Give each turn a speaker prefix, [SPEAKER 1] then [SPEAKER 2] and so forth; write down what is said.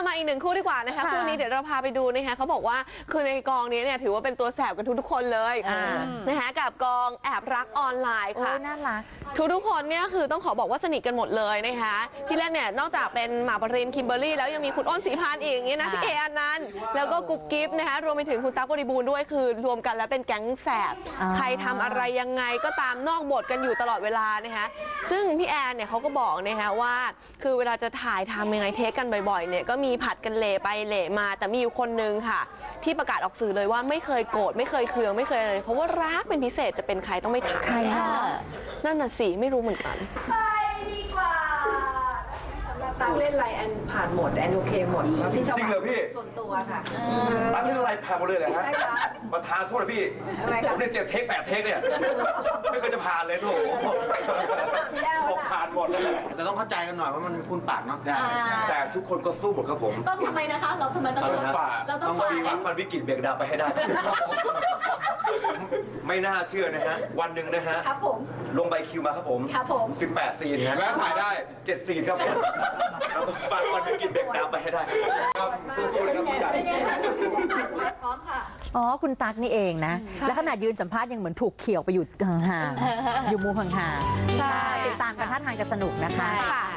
[SPEAKER 1] มาอีกหนึ่งคู่ดีกว่านะคะคู่นี้เดี๋ยวเราพาไปดูนะคะเขาบอกว่าคือในกองนี้เนี่ยถือว่าเป็นตัวแสบกันทุกคนเลยนะคะกับกองแอบรักออนไลน์ค่ะน่ารักทุกคนเนี่ยคือต้องขอบอกว่าสนิทกันหมดเลยนะคะที่เล่นเนี่ยนอกจากเป็นหมากปรินคิมเบอร์รี่แล้วยังมีคุณอ้นศรีพานอีกอย่างนี้นะพี่เออนันต์แล้วก็กุ๊บกิ๊บนะคะรวมไปถึงคุณตั๊กบริบูรณ์ด้วยคือรวมกันแล้วเป็นแก๊งแสบใครทำอะไรยังไงก็ตามนอกบทกันอยู่ตลอดเวลานะคะซึ่งพี่แอนเนี่ยเขาก็บอกนะคะว่าคือเวลาจะถ่ายทำยังไงเทคกันบ่อยๆเนี่ยก็มีผัดกันเหล่ไปเหล่มาแต่มีอยู่คนนึงค่ะที่ประกาศออกสื่อเลยว่าไม่เคยโกรธไม่เคยเคืองไม่เคยอะไรเพราะว่ารักเป็นพิเศษจะเป็นใครต้องไม่ถามใครนั่นน่ะสิไม่รู้เหมือนกัน
[SPEAKER 2] ไปดีกว่าตั๊กเล่นอะไรแอนผ่านหมดแอนโอเคหมดว่าพี่ชอบจริงเหรอพี่ส่วนตัวค่ะ
[SPEAKER 3] ตั๊กเล่นอะไรผ่านหมดเลยเหรอฮะประธานโทษนะพี่ผมได้7 เทค 8 เทคเนี่ยไม่เคยจะผ่านเลยโถผมผ่านหมดเลย
[SPEAKER 4] แต่ต้องเข้าใจกันหน่อยว่ามันคุณปากเนาะ
[SPEAKER 3] แต่ทุกคนก็สู้หมดครับผม
[SPEAKER 2] ต้องทำไมนะคะเราทำไมต้องฝ่าเราต้องฝ่า
[SPEAKER 3] มันวิกฤตเบียกดาวไปให้ได้ไม่น่าเชื่อนะฮะวันหนึ่งนะฮะ
[SPEAKER 2] ครับผม
[SPEAKER 3] ลงใบคิวมาครับผม18 ซีนฮะ
[SPEAKER 4] แล้วถ่ายได้
[SPEAKER 3] 7 ซีนครับผมฝากวันวิกฤตเบียกดาวไปให้ได้ครับสู้ๆเลยครับผู้ใหญ่
[SPEAKER 2] พร้อมค่ะ
[SPEAKER 5] อ๋อคุณตั๊กนี่เองนะแล้วขนาดยืนสัมภาษณ์ยังเหมือนถูกเขี่ยวไปอยู่ห่างๆอยู่มุมห่างๆติดตามกันท่าทางจะสนุกนะคะ